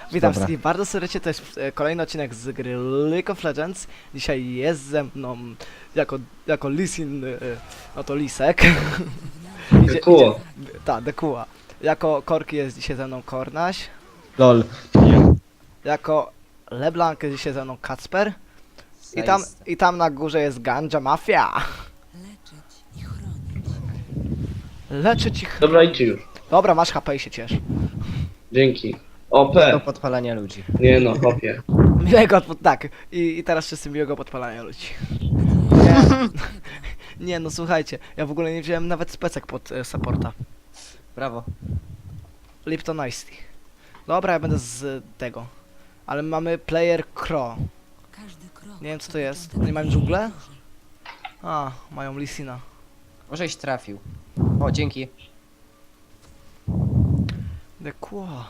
Witam Dobra. wszystkich bardzo serdecznie, to jest kolejny odcinek z gry League of Legends. Dzisiaj jest ze mną jako Lisin, no to Lisek. Dekuła. Tak, Dekuła. Jako Korki jest dzisiaj ze mną Kornaś. LOL. Jako LeBlanc jest dzisiaj ze mną Kacper. Zaiste. I tam na górze jest Ganja Mafia. Leczyć ich. Dobra, idźcie już. Dobra, masz HP i się ciesz. Dzięki. Do OP. podpalania ludzi. Nie no, hopie. Tak. I teraz wszyscy miłego podpalania ludzi. Nie. Nie no słuchajcie, ja w ogóle nie wziąłem nawet specek pod supporta. Brawo. Lipton Ice Tea. Dobra, ja będę z tego. Ale mamy player Crow. Nie wiem co to jest. Nie mają dżunglę? A, mają Lisina. Możeś trafił. O, dzięki. Dekło.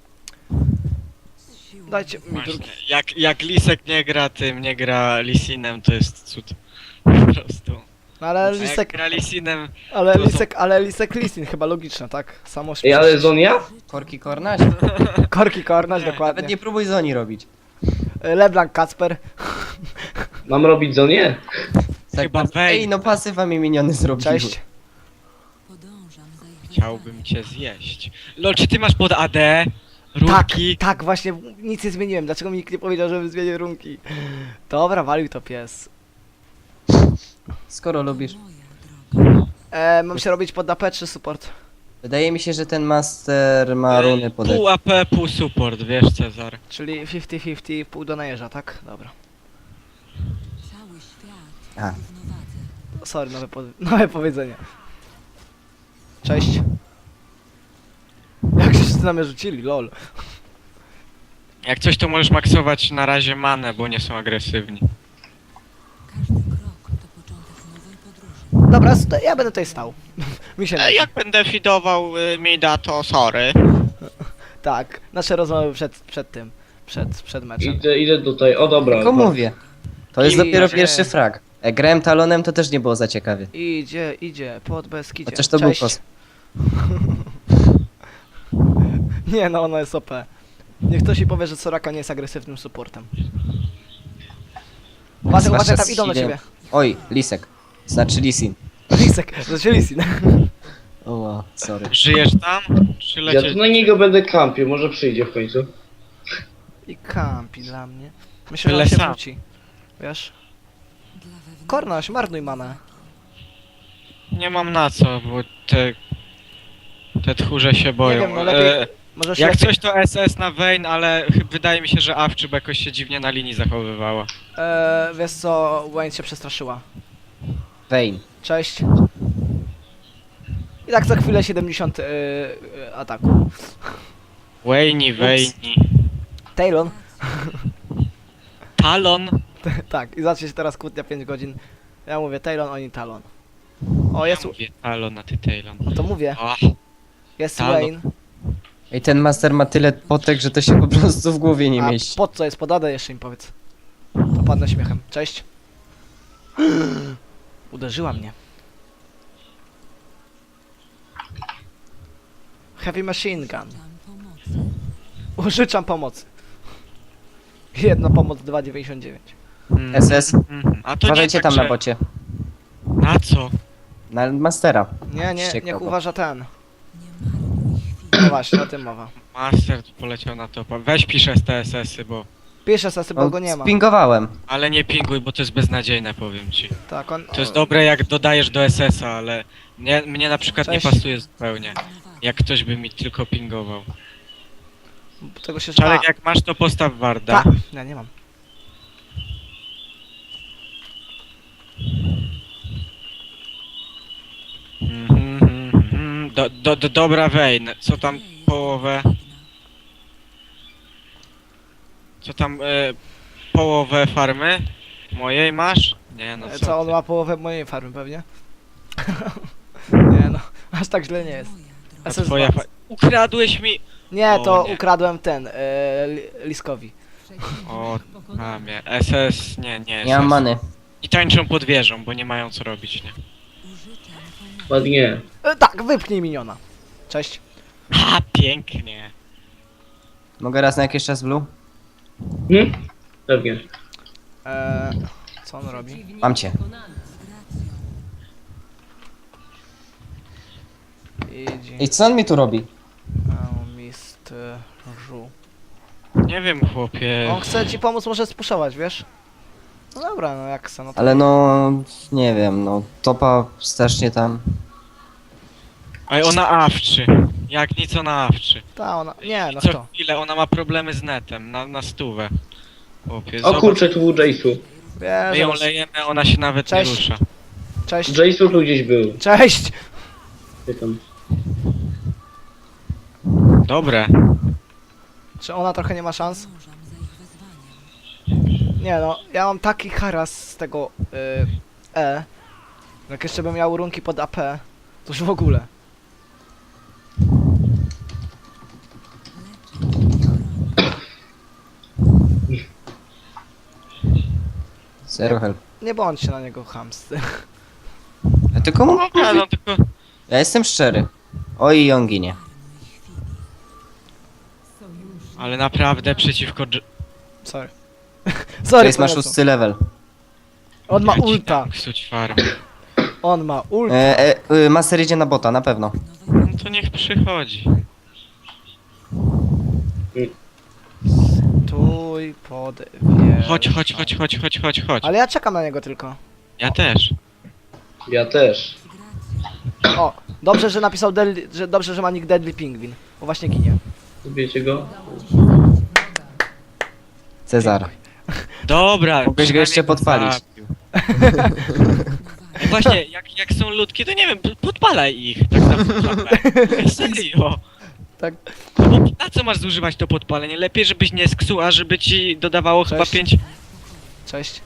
Dajcie mi drugi. Właśnie, jak Lisek nie gra tym, nie gra Lisinem, to jest cud. Po prostu. No ale A jak Lisek, gra Lisinem, ale Lisek Lisin, chyba logiczne, tak? Samo Ej, ale Zonia? Korki Kornaś? Korki Kornaś, Nie, dokładnie. Nawet nie próbuj Zoni robić. LeBlanc Kacper. Mam robić Zonię? Chyba Ej, Vayne. no pasywa mi miniony zrobiły. Cześć. chciałbym cię zjeść. Lol, czy ty masz pod AD? Tak, Runki? tak, właśnie nic nie zmieniłem. Dlaczego mi nikt nie powiedział, żebym zmienił runki? Dobra, walił to pies. Skoro lubisz. Mam się robić pod AP czy support? Wydaje mi się, że ten master ma runy pod... Pół AP, pół support, wiesz Cezar. Czyli 50-50, pół do najeża, tak? Dobra. A. Sorry, nowe powiedzenie. Cześć. Jak się wszyscy na mnie rzucili, lol. Jak coś to możesz maksować na razie manę, bo nie są agresywni. Dobra, ja będę tutaj stał. Mi się Jak będę fidował mida, to sorry. Tak, nasze rozmowy przed tym. Przed meczem. Idę tutaj, o dobra. Tylko mówię. To jest I- dopiero że- pierwszy frag. Jak grałem talonem, to też nie było za ciekawie. Idzie, pod Beskidzie. Chociaż to Cześć. był kos. Nie no, ona jest OP. Niech ktoś mi powie, że Soraka nie jest agresywnym supportem. Uważaj, Zwłaszcza uważaj, tam z idą do healem. ciebie. Oj, Lisek. Znaczy Lisin. Lisek, znaczy Lisin. O, wow, sorry. Żyjesz tam? Czy Ja lecieć? tu na niego będę kampił, może przyjdzie w końcu. I kampi dla mnie. Myślę, że Byle on się sam. wróci. Wiesz? Kornaś, marnuj manę. Nie mam na co, bo te tchórze się boją. wiem, no lepiej- Możesz Jak lepiej, coś to SS na Vayne, ale wydaje mi się, że Awczyb jakoś się dziwnie na linii zachowywała. wiesz co, Wayne się przestraszyła. Vayne. Cześć. I tak za chwilę 70 ataku. Wayne. Talon. Talon? Tak, i zacznie się teraz kłótnia 5 godzin. Ja mówię Talon, oni Talon. O, jest... Ja mówię Talon, a ty Talon. No to mówię. O, Jest Talon. Wayne. Ej, ten master ma tyle potek, że to się po prostu w głowie nie A mieści. pod co jest? Podadę jeszcze im powiedz. Popadnę śmiechem. Cześć. Uderzyła mnie. Heavy machine gun. Użyczam pomocy. Jedna pomoc 2,99. SS. A to Uważajcie nie tam tak, na bocie. Na co? Na mastera. Nie, Ściekał niech go. uważa ten. No właśnie, o tym mowa. Master poleciał na topa. Weź pisz STSS-y, bo... Pisze sasy, bo go nie ma. Spingowałem. Ale nie pinguj, bo to jest beznadziejne, powiem ci. Tak, on... To jest dobre jak dodajesz do SS-a, ale mnie na przykład Cześć. nie pasuje zupełnie. Jak ktoś by mi tylko pingował. Tego się... Czarek, jak masz to postaw Warda. Tak, ja nie mam. Dobra Vayne, co tam połowę... Co tam połowę farmy? Mojej masz? Nie no Co, on ty. ma połowę mojej farmy pewnie? Nie no, aż tak źle nie jest. A SS2. twoja Ukradłeś mi... Nie, O, to nie. ukradłem ten, Liskowi. O, mamie. SS... Nie. Nie mam SS. many. I tańczą pod wieżą, bo nie mają co robić, nie? Ładnie. Tak, wypchnij miniona. Cześć. Ha, pięknie. Mogę raz na jakiś czas blue? Pewnie. Co on robi? Mam cię. Idzie. I co on mi tu robi? Mistrzu. Nie wiem, chłopie. On chce ci pomóc, może spuszować, wiesz? No dobra, no jak se, no to... Ale no... Nie wiem, no... Topa strasznie tam... Ej, ona awczy. Jak nic ona awczy. Ta, ona... Nie, no Co kto? chwilę ona ma problemy z netem, na stówę. Chłopie, O zobacz. kurczę, tu był Jace'u. My ją Wiesz, lejemy, ona się nawet Cześć. nie rusza. cześć. Jace'u tu gdzieś był. Cześć! Pytam. Dobre. Czy ona trochę nie ma szans? Nie no, ja mam taki haras z tego Jak jeszcze bym miał runki pod AP, to już w ogóle. Zero help. Nie bądźcie na niego chamsty. Ja tylko mu... Ja, no tylko... Ja jestem szczery. Oj, i on ginie. Ale naprawdę przeciwko... Sorry. Sorry, Jace ma panie, co? 6 level. On ma Ja ci ulta. dam Ksuć farm. On ma ulta. Master idzie na bota, na pewno. No to niech przychodzi. Tuj pod wieżą. Chodź. Ale ja czekam na niego tylko. Ja też. Ja też. O, dobrze, że napisał dobrze, że ma nick Deadly Pingwin. Bo właśnie ginie. Wiecie go? Cezar. Dobra. Mogłeś go jeszcze przynajmniej podpalić. zabił. Właśnie, jak są ludki, to nie wiem, podpalaj ich, tak naprawdę. Serio. Tak. Bo na co masz zużywać to podpalenie? Lepiej, żebyś nie sksuł, a żeby ci dodawało chyba Cześć. 5... Cześć.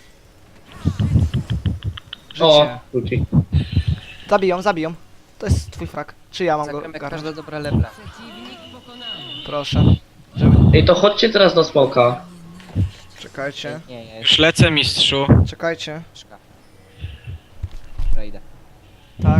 O, Życie. wróci. Zabiją. To jest twój frak. Czy ja mam go Zagramy garnąć? każda dobra lebla. Proszę. Ej, to chodźcie teraz na smoka. Czekajcie. Nie, ja Już lecę, mistrzu. Czekajcie. szka. Dobra, idę. Tak.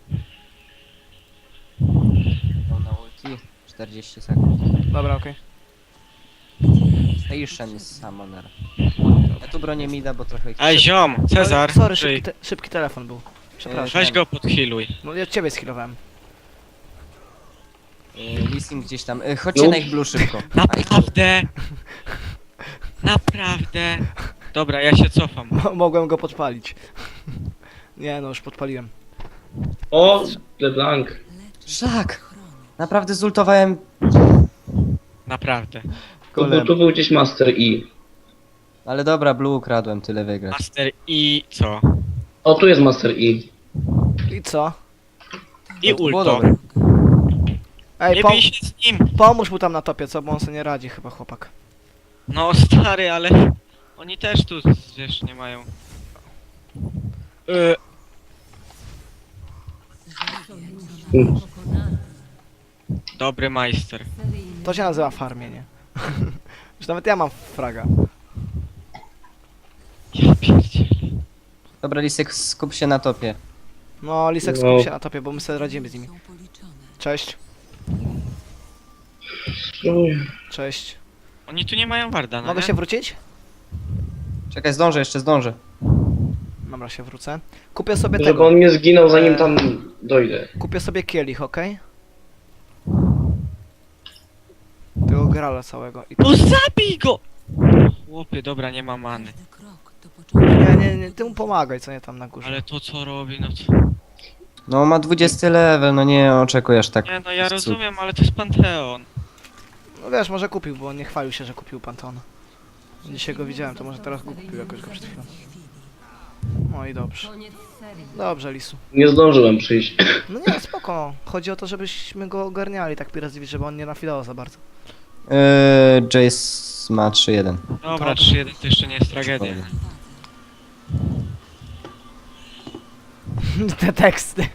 No, na ulti. 40 sekund. Dobra, okej. Station jest summoner. Ja tu bronię mida, bo trochę ich... Ej, ziom, Cezar, Sorry, żyj. szybki telefon był. Przepraszam. Weź go podhealuj. No ja ciebie skillowałem. Listing gdzieś tam. Chodźcie No. na ich blue szybko. Naprawdę? Naprawdę? Dobra, ja się cofam. Mogłem go podpalić. Nie no, już podpaliłem. O, LeBlanc. Szlak! Naprawdę zultowałem Naprawdę. Tu był gdzieś Master E. Ale dobra, blue ukradłem, tyle wygrać. Master i co? O, tu jest Master E. I co? I To było ulto. dobre. Ej, Nie bij się z nim. pomóż mu tam na topie, co? Bo on sobie nie radzi chyba, chłopak. No stary, ale oni też tu, wiesz, nie mają. Dobry majster. To się nazywa farmienie. Już nawet ja mam fraga. Ja pierdzielę. Dobra, Lisek, skup się na topie. No, Lisek, No. skup się na topie, bo my sobie radzimy z nimi. Cześć. Cześć. Oni tu nie mają warda, no Mogę nie? się wrócić? Czekaj, jeszcze zdążę. Dobra, się wrócę. Kupię sobie Żeby tego. on nie zginął zanim tam dojdę. Kupię sobie kielich, okej? Tego grala całego. I No zabij go! Chłopie, dobra, nie ma many. nie, ty mu pomagaj, co nie tam na górze. Ale to co robi, no co? No ma 20 level, no nie oczekujesz tak. Nie no, ja cud. rozumiem, ale to jest Panteon. No wiesz, może kupił, bo on nie chwalił się, że kupił Pantona. Dzisiaj go widziałem, to może teraz go kupił jakoś go przed chwilą. No i dobrze. Dobrze, Lisu. Nie zdążyłem przyjść. No nie, spoko. Chodzi o to, żebyśmy go ogarniali tak Pirates, żeby on nie nafilował za bardzo. Jace ma 3-1. Dobra, 3-1 to jeszcze nie jest tragedia. Te teksty.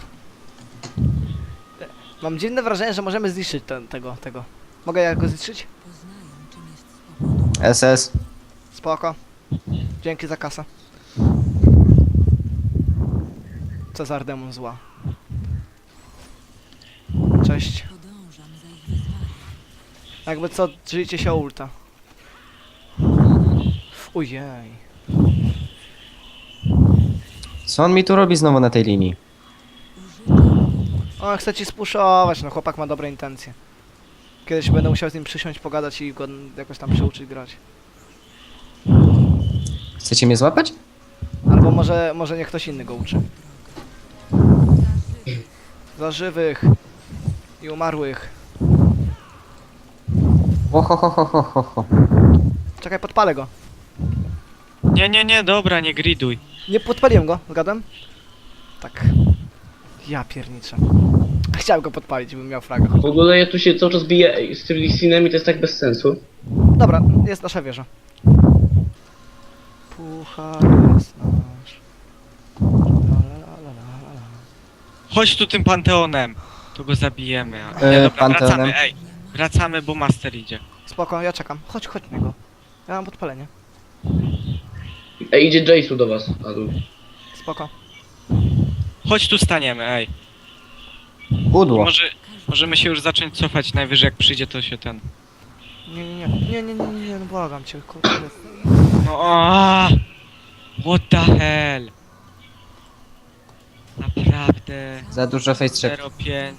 Mam dziwne wrażenie, że możemy zniszczyć tego. Mogę ja go zniszczyć? SS. Spoko. Dzięki za kasę. Cezar demon zła. Cześć. Jakby co, drzwijcie się o ulta. Ojej. Co on mi tu robi znowu na tej linii? O, chce ci spuszować, no chłopak ma dobre intencje. Kiedyś będę musiał z nim przysiąść, pogadać i go jakoś tam przyuczyć grać. Chcecie mnie złapać? Albo może niech ktoś inny go uczy. Za żywych i umarłych. Oho. Czekaj, podpalę go. Nie, dobra, nie griduj. Nie podpaliłem go, zgadłem? Tak. Ja pierniczę. Chciałem go podpalić, bym miał fraga. W ogóle ja tu się cały czas biję z tym Lisinem i to jest tak bez sensu. Dobra, jest nasza wieża. Puchar jest nasz. La. Chodź tu tym Panteonem. To go zabijemy. Panteonem? Wracamy, ej. Wracamy, bo Master idzie. Spoko, ja czekam. Chodź na go. Ja mam podpalenie. Ej, idzie Jace'u do was. A tu. Spoko. Chodź tu staniemy, ej. I Pudło. możemy się już zacząć cofać, najwyżej jak przyjdzie to się ten... Nie, no błagam cię, kurde. No aaa! What the hell? Naprawdę. Za dużo face check. 0,5.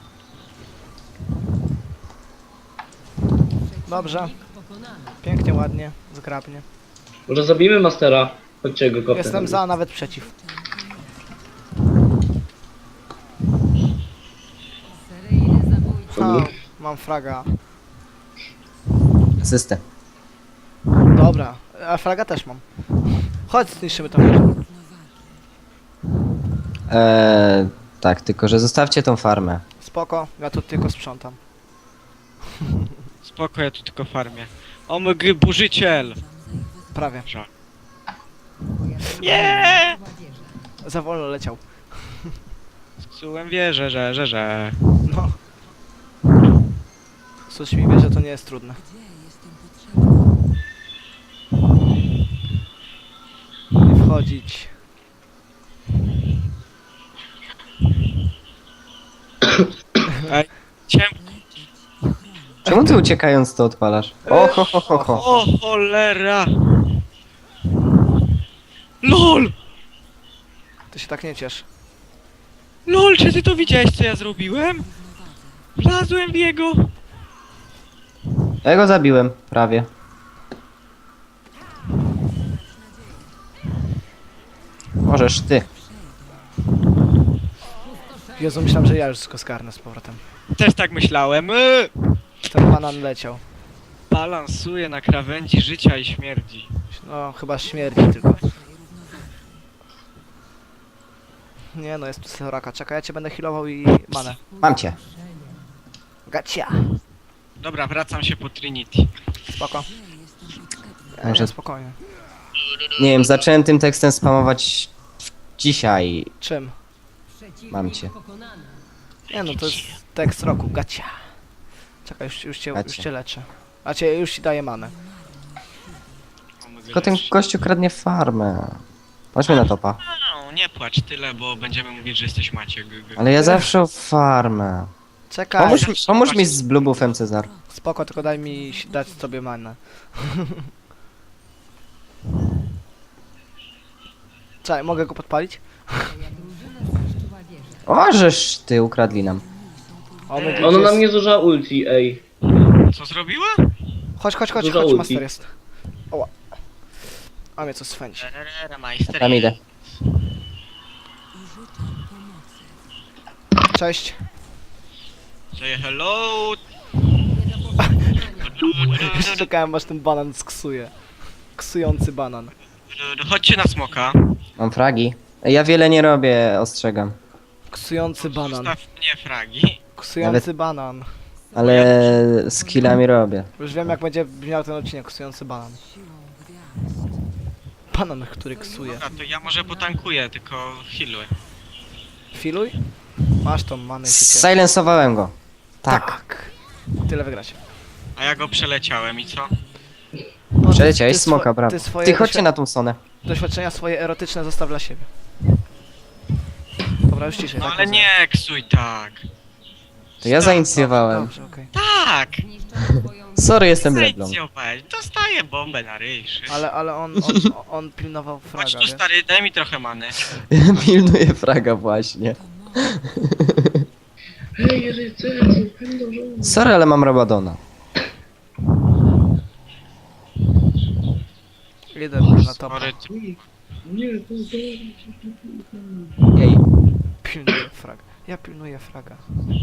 Dobrze. Pięknie, ładnie, zgrabnie. Może zabijmy Mastera. Chodźcie go kopnę. Jestem za, nawet przeciw. Ha, mam fraga. Asystę. Dobra, a fraga też mam. Chodź, zniszczymy to wieżę. Tak, tylko że zostawcie tą farmę. Spoko, ja tu tylko sprzątam. Spoko, ja tu tylko farmię. O my gry, burzyciel! Prawie. Żal. Nie! Za wolno leciał. Zepsułem wieżę, że. No. Coś mi wie, że to nie jest trudne. Nie wchodzić. Ciemko. Czemu ty uciekając to odpalasz? Ho. O cholera! LOL! Ty się tak nie ciesz. LOL, czy ty to widziałeś, co ja zrobiłem? Wlazłem w jego! Ja go zabiłem, prawie. Możesz ty. Jezu, myślałem, że ja już go skarnę z powrotem. Też tak myślałem. Ten banan leciał. Balansuje na krawędzi życia i śmierci. No, chyba śmierdzi tylko. Nie no, jest tu Soraka. Czekaj, ja cię będę healował i manę. Mam cię. Gacia! Dobra, wracam się po Trinity. Spoko. Może- Nie, spokojnie. Nie wiem, zacząłem tym tekstem spamować dzisiaj. Czym? Mam cię. Nie no, to jest tekst roku. Gacia! Czekaj, już cię leczę. A cię już ci daję manę. Tylko ten gościu kradnie farmę. Chodźmy na topa. No, nie płacz tyle, bo będziemy mówić, że jesteś Maciek. Ale ja zawsze o farmę. Czekaj! Pomóż mi z blubufem, Cezar. Spoko, tylko daj mi dać sobie manę. Czekaj, mogę go podpalić? O, żeż ty ukradli nam. O, my Ona gdzieś na jest- mnie zużyła ulti, ej. Co zrobiła? Chodź, Dużo ulti. master jest. Oła. A mnie co swędzi. Tam idę. Cześć. Say hello! Już czekałem aż ten banan sksuje. Ksujący banan. Chodźcie na smoka. Mam fragi. Ja wiele nie robię, ostrzegam. Ksujący banan. Zostaw mnie fragi. Ksujący banan. Ale z killami robię. Już wiem jak będzie brzmiał ten odcinek. Ksujący banan. Banan, który ksuje. Dobra, to ja może potankuję, tylko healuję. Filuj? Masz tą manę i się cieszę. Silensowałem go. Tak. Tak. Tyle wygrać. A ja go przeleciałem i co? No, Przeleciałeś ty smoka, brawo. Ty swoje Ty chodźcie na tą sonę. doświadczenia swoje erotyczne zostaw dla siebie. Dobra, już ciszej. No tak ale rozumiem. nie ksuj tak. To ja zainicjowałem. Dobrze, okej. Tak! Sorry, jestem Zejdź Leblon. ją, weź. Dostaję bombę na ryj. Ale on pilnował Chodź fraga, tu, wiesz? stary, daj mi trochę many. Pilnuję fraga właśnie. Hej, rycerzu, pędzą. Sorry, ale mam Rabadona. Idę na topa. Sorry, Nie, to jest Jej. Pilnuję fraga. Ja pilnuję fraga.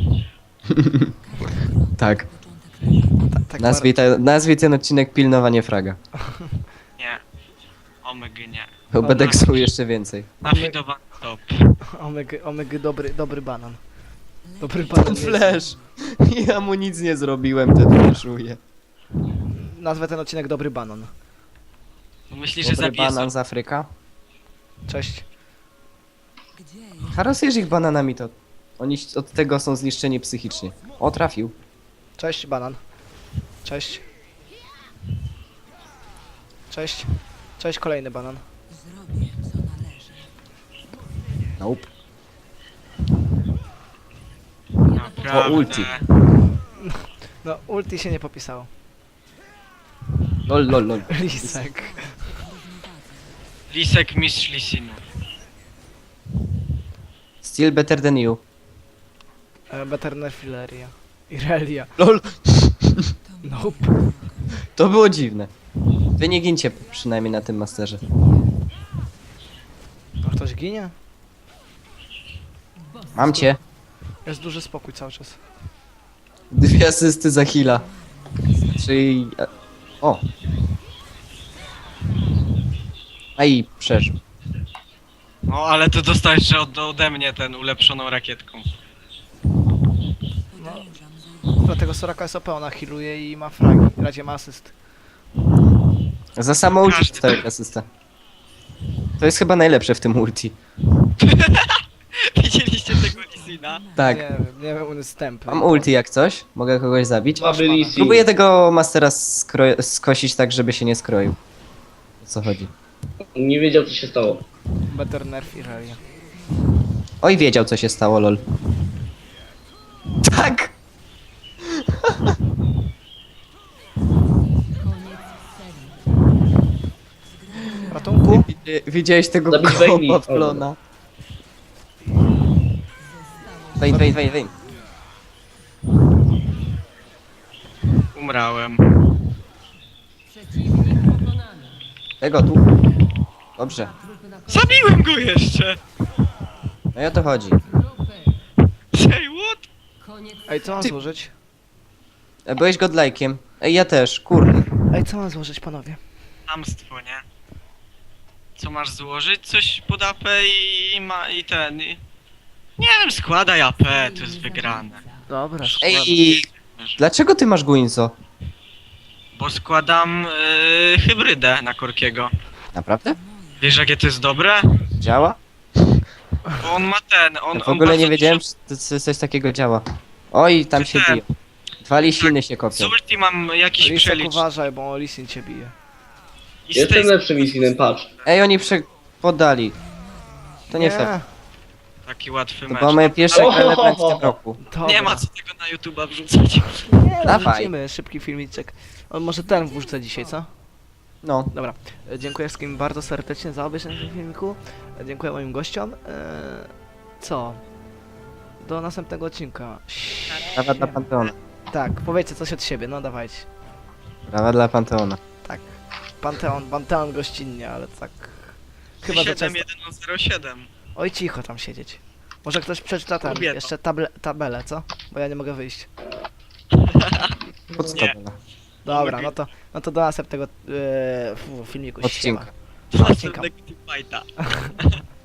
Tak. Tak Nazwij ten odcinek pilnowanie fraga. nie. Omega nie. Bo będę ksuł jeszcze więcej. Nafidowany top. Omega dobry banan. Dobry banan. Ten jest. flash. Ja mu nic nie zrobiłem, ten flashuje. Nazwę ten odcinek Dobry Banan. Myślisz, że Dobry zabiję banan z Afryka. Cześć. Harasujesz ich bananami, to oni od tego są zniszczeni psychicznie. O, trafił. Cześć, banan. Cześć. Cześć. Cześć, kolejny banan. Nope. Naprawdę. O, ulti. No, ulti się nie popisało. Lol, lol, lol. Lisek. Lisek mistrz Lisinu. Still better than you. Beternefileria. Irelia. Lol. Nope. To było dziwne. Wy nie gincie przynajmniej na tym masterze. A ktoś ginie? Mam cię. Jest duży spokój cały czas. 2 asysty za heala. Czyli... O! A i przeżył. No, ale to dostałeś jeszcze ode mnie ten ulepszoną rakietką. No. Dlatego Soraka jest OP, ona healuje i ma fragi. Radzie ma asyst. Za samo ulti Każdy dostałeś asystę. To jest chyba najlepsze w tym ulti. Widzieliście tego Lisina? Tak. Nie wiem, on jest tępy. Mam ulti jak coś. Mogę kogoś zabić. Słaby Lee Próbuję tego mastera skosić tak, żeby się nie skroił. O co chodzi? Nie wiedział, co się stało. Better nerf Irelia. Oj, wiedział co się stało, lol. Tak! Ratunku? Widziałeś tego Zabić Vayne'i. kopa w klona. Vayne. Umrałem. Tego tu. Dobrze. Zabiłem go jeszcze! No i o to chodzi. Say what? Ej, co mam Ty- złożyć? Byłeś godlajkiem. Ej, ja też, kurde. Ej, co mam złożyć, panowie? Hamstwo, nie? Co masz złożyć? Coś pod AP i ten... Nie wiem, składaj AP, to jest wygrane. Dobra, Ej, dlaczego ty masz Guinzo? Bo składam hybrydę na Korkiego. Naprawdę? Wiesz, jakie to jest dobre? Działa? Bo on ma ten, on... Ja w ogóle on nie bardzo wiedziałem, dużo- że coś takiego działa. Oj, tam się Ten. biją. 2 lisiny się Z kopią. ulti mam jakiś Lisek, przelicz. uważaj, bo Lisin cię bije. I z Jestem tej lepszym Isinem, patrz. Ej, oni podali. To nie fair. taki łatwy To mecz. była moja pierwsza Oho, gra w tym ho, ho. roku. Dobra. Nie ma co tego na YouTube'a wrzucać. Nie, Dawaj. wrzucimy szybki filmiczek. On może ten wrzucę dzisiaj, co? No. Dobra. Dziękuję wszystkim bardzo serdecznie za obejrzenie tego filmiku. Dziękuję moim gościom. Co? Do następnego odcinka. Brawa dla Panteona. Tak, powiedzcie coś od siebie, no dawajcie. Brawa dla Panteona. Tak. Panteon gościnnie, ale tak... Chyba za często. 7107. Oj, cicho tam siedzieć. Może ktoś przeczyta ten, Kobieto. jeszcze tabelę, co? Bo ja nie mogę wyjść. Podstawowa. Dobra, no to do następnego filmiku. Odcinka. Siema. Następnego teamfighta.